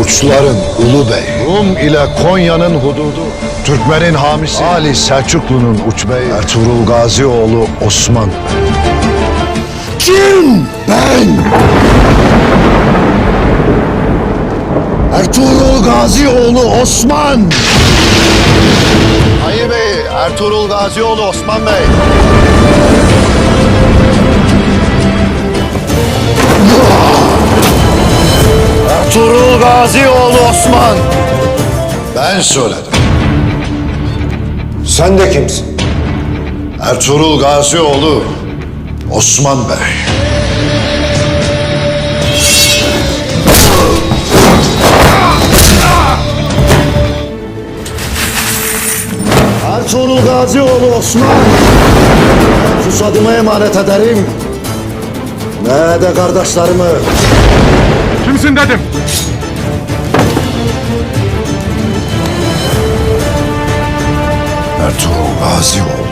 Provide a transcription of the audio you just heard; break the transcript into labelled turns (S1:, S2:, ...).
S1: Urçların ulu bey, Rum ile Konya'nın hududu, Türkmen'in hamisi, Ali Selçuklu'nun uçbeyi, Ertuğrul Gazioğlu Osman. Kim? Ben! Ertuğrul Gazioğlu Osman! Hayır Bey, Ertuğrul Gazioğlu Osman Bey. Ertuğrul Gazioğlu Osman. Ben söyledim.
S2: Sen de kimsin?
S1: Ertuğrul Gazioğlu Osman Bey. Ertuğrul Gazioğlu Osman. Susadımı emanet ederim. Ne de kardeşlerimi.
S3: Kimsin dedim.
S1: Ertuğrul Gazioğlu